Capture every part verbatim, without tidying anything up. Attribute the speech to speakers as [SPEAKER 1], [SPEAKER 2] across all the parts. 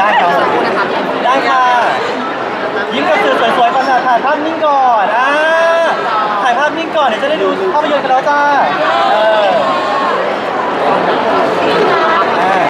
[SPEAKER 1] ได้ครับได้ค่ะยิ้มกับสื่อสวยๆก่อนนะถ่ายภาพนิ่งก่อนอ่าถ่ายภาพนิ่งก่อนเดี๋ยวจะได้ดูภาพยนตร์กันแล้วจ้าเอออ่า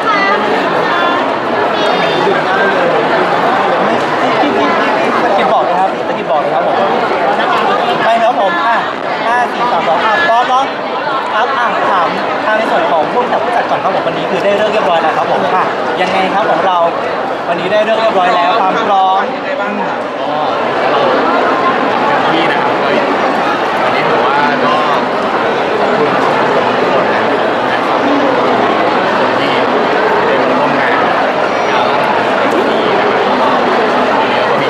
[SPEAKER 1] พี่พี่พี่พี่สกิปบอกเลยครับสกิปบอกเลยครับผมไปครับผมอ่ะห้าสี่สามสองอ่ะพร้อมเนาะครับอ่ะถามทางในส่วนของผู้จัดผู้จัดก่อนครับผมวันนี้คือได้เรื่องเรียบร้อยแล้วครับผมอ่ะยังไงครับของเราวันนี้ได้เรื่องเรียบร้อยแล้วความพร้อมยังไงบ้างอ่ะ
[SPEAKER 2] ที่นะครับก็วันนี้ผมว่าก็ขอบคุณทุกคนนะครับคนที่ได้มาร่วมงานงานวันนี้นะครับวันนี้ก็มี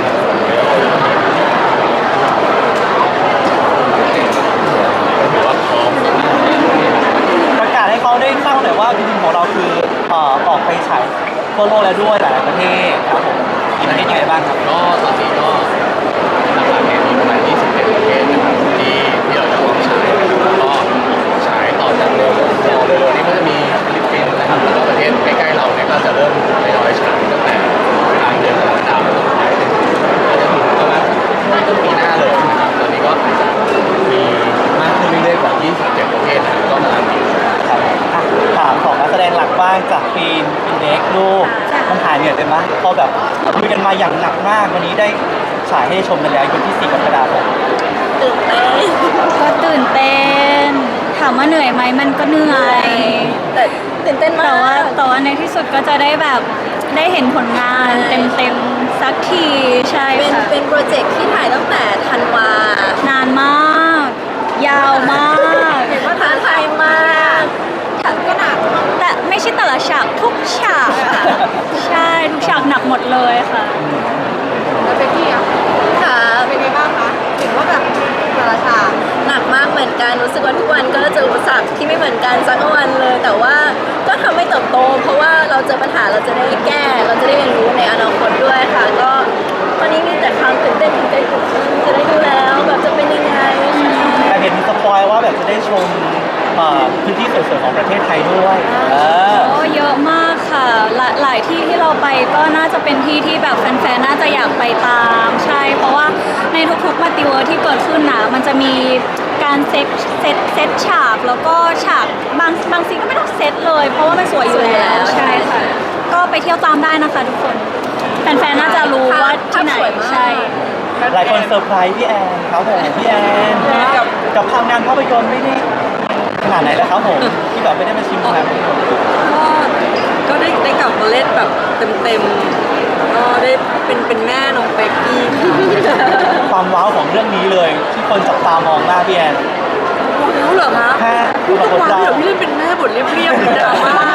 [SPEAKER 2] ถือว่าพร้อม
[SPEAKER 1] ประกาศให้เขาได้ทราบหน่อยว่าจริงๆของเราคือเอ่อออกไปฉายทั่วโลกแล้วด้วยหลายๆประเทศครับผมมีประเทศยังไงบ้างครับ
[SPEAKER 2] ก็ตอนนี้ก็หลักๆเนี่ยมีประมาณยี่สิบเจ็ดประเทศนะครับที่ที่เราจะลองฉายก็ฉายต่อจากเร็วเร็วๆนี้ก็จะมีฟิลิปปินส์นะครับแล้วก็ประเทศใกล้ๆเราเนี่ยก็จะเริ่มทยอยฉายตั้งแต่กลางเดือนกรกฎาคมต้นไปก็จะถึงประมาณต้นปีหน้าเลยนะครับตอนนี้ก็อาจจะมีมากขึ้นเรื่อยๆกว่ายี่สิบเจ็ดประเทศนะครับก็กำลังดี
[SPEAKER 1] ครับถามของนักแสดงหลักบ้างจากฟิล์มฟินเด็กลูกมันหายเหนื่อยไปไหมพอแบบคุยกันมาอย่างหนักมากวันนี้ได้ฉายให้ชมกันแล้ววันที่สี่กรกฎาคม
[SPEAKER 3] ตื่นเต้นก็ตื่นเต้นถามว่าเหนื่อยไหมมันก็เหนื่อยแต่ตื่นเต้นมากแต่ว่าแต่ว่าในที่สุดก็จะได้แบบได้เห็นผลงานเต็มๆสักทีใช่ค่ะเป็นโปรเจกต์ที่ถ่ายตั้งแต่ธันวานานมากยาวมากเห็นว่าท้าทายมากฉากก็หนักแต่ไม่ใช่แต่ละฉากทุกฉากใช่ทุกฉากหนักหมดเลยค่ะ
[SPEAKER 4] แล้วเป็นที่อ่ะค่ะเป็นไงบ้างคะเห็นว่าแบบแต่ละฉาก
[SPEAKER 3] หนักมากเหมือนกันรู้สึกว่าทุกวันก็เจออุปสรรคที่ไม่เหมือนกันสักวันเลยแต่ว่าก็ทำให้เติบโตเพราะว่าเราเจอปัญหาเราจะได้แก้เราจะได้เรียนรู้ในอนาคตด้วยค่ะก็ตอนนี้มีแต่ความตื่นเต้นตื่นเต้นจะได้ดูแล้วแบบจะเป็นยังไง
[SPEAKER 1] แต่เห็นสปอยว่าแบบจะได้ชมพื้นที่สวยๆของประเทศไทยด้วยเออ
[SPEAKER 3] โอ้เยอะมากค่ะหลายหลายที่ที่เราไปก็น่าจะเป็นที่ที่แบบแฟนๆน่าจะอยากไปตามใช่เพราะว่าในทุกๆมัลติเวิร์สที่เกิดขึ้นนะมันจะมีการเซตเซตเซตฉากแล้วก็ฉากบางบางซีนก็ไม่ต้องเซตเลยเพราะว่ามันสวยอยู่แล้วใช่ค่ะก็ไปเที่ยวตามได้นะคะทุกคนแฟนๆน่าจะรู้ว่าที่ไหนใช่
[SPEAKER 1] หลายคนเซอร์ไพรส์พี่แอนครับผมพี่แอนกับกับทำงานภาพยนตร์ไม่ได้ขนาดไหนแล้วครับผมที่แบบไม่ได้มาชิมงานภาพยนตร์
[SPEAKER 4] ก็ก็ได้ได้กลับมาเล่นแบบเต็มๆก็ได้เป็นเป็นแม่น้องเป๊กกี้
[SPEAKER 1] ความว้าวของเรื่องนี้เลยที่คนจับตามองหน้าพี่แอน
[SPEAKER 4] รู้เหรอคะ
[SPEAKER 1] แค่
[SPEAKER 4] พูดว้าวเดี๋ยวพี่เล่นเป็นแม่บทเรียบๆดราม่า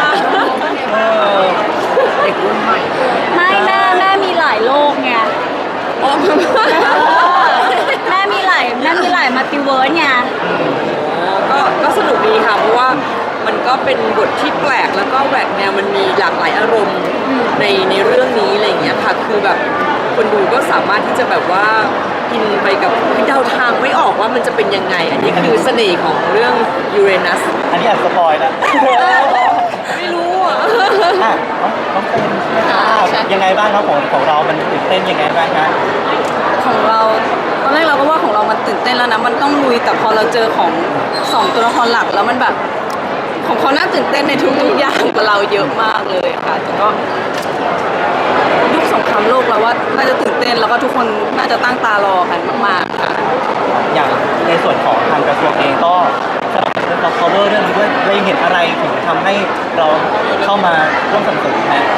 [SPEAKER 1] เด็กรุ่นใหม่
[SPEAKER 3] ไม่แม่แม่มีหลายโลกไงแม่มีหลายแม่มีหลายมัลติเวิร์สไง
[SPEAKER 4] ก็ก็สนุกดีค่ะเพราะว่ามันก็เป็นบทที่แปลกแล้วก็แหวกแนวมันมีหลากหลายอารมณ์ในในเรื่องนี้อะไรอย่างเงี้ยค่ะคือแบบคนดูก็สามารถที่จะแบบว่ากินไปกับเดาทางไม่ออกว่ามันจะเป็นยังไงอันนี้คือเสน่ห์ของเรื่องยูเรนัส
[SPEAKER 1] อันนี้แอบสปอยนะ
[SPEAKER 4] ไม่รู้อ่ะ
[SPEAKER 1] น้องเป็นยังไงบ้างครับของของเรามันตื่นเต้นยังไงบ้างครับ
[SPEAKER 5] ของเราตอนแรกเราก็ว่าของเรามันตื่นเต้นแล้วนะมันต้องลุยแต่พอเราเจอของสองตัวละครหลักแล้วมันแบบของเขาน่าตื่นเต้นในทุกๆอย่างกับเราเยอะมากเลยค่ะแต่ก็ยุคสงครามโลกเราว่าน่าจะตื่นเต้นแล้วก็ทุกคนน่าจะตั้งตารอกันมากๆค่ะ
[SPEAKER 1] อย่างในส่วนของทางกระทรวงเองก็สนับสนุนเรา cover เรื่องนี้ด้วยเราเห็นอะไรถึงทำให้เราเข้ามาร่วมสนับสนุนนะ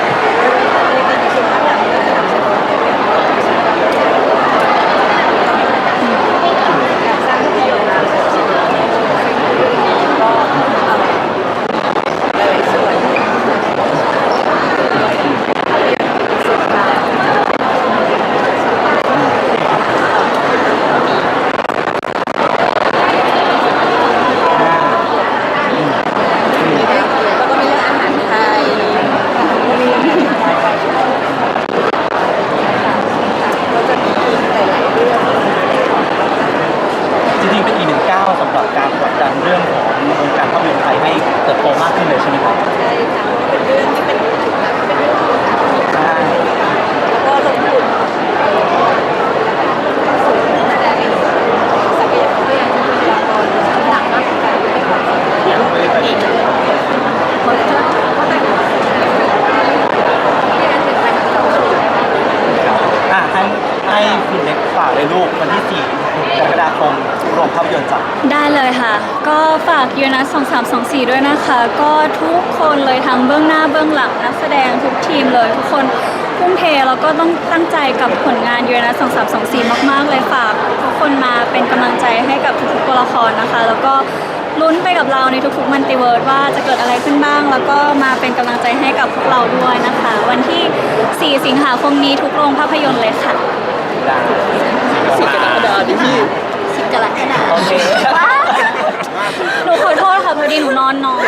[SPEAKER 3] ากยูนัสสองสามสองสี่ด้วยนะคะ ก็ทุกคนเลยทั้งเบื้องหน้าเบื้องหลังนักแสดงทุกทีมเลย ทุกคนทุ่มเทแล้วก็ต้องตั้งใจกับผลงานยูนัสสองสามสองสี่มากๆเลยฝากทุกคนมาเป็นกำลังใจให้กับทุกๆตัวละครนะคะ แล้วก็ลุ้นไปกับเราในทุกๆมัลติเวิร์สว่าจะเกิดอะไรขึ้นบ้าง แล้วก็มาเป็นกำลังใจให้กับพวกเราด้วยนะคะ วันที่สี่สิงหาคมนี้ทุกโรงภาพยนตร์เลยค่ะ
[SPEAKER 4] สี่กรกฎาคมนี้พี่
[SPEAKER 3] สิบกรกฎาค
[SPEAKER 1] โอ
[SPEAKER 3] ม
[SPEAKER 1] เค
[SPEAKER 3] หนูขอโทษค่ะพอดีหนูนอนน้อย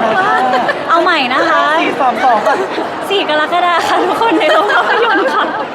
[SPEAKER 3] เอาใหม่นะคะ
[SPEAKER 1] สี่สามสอง
[SPEAKER 3] สี่กรกฎาคมค่ะทุกคนในโรงภาพยนตร์ค่ะ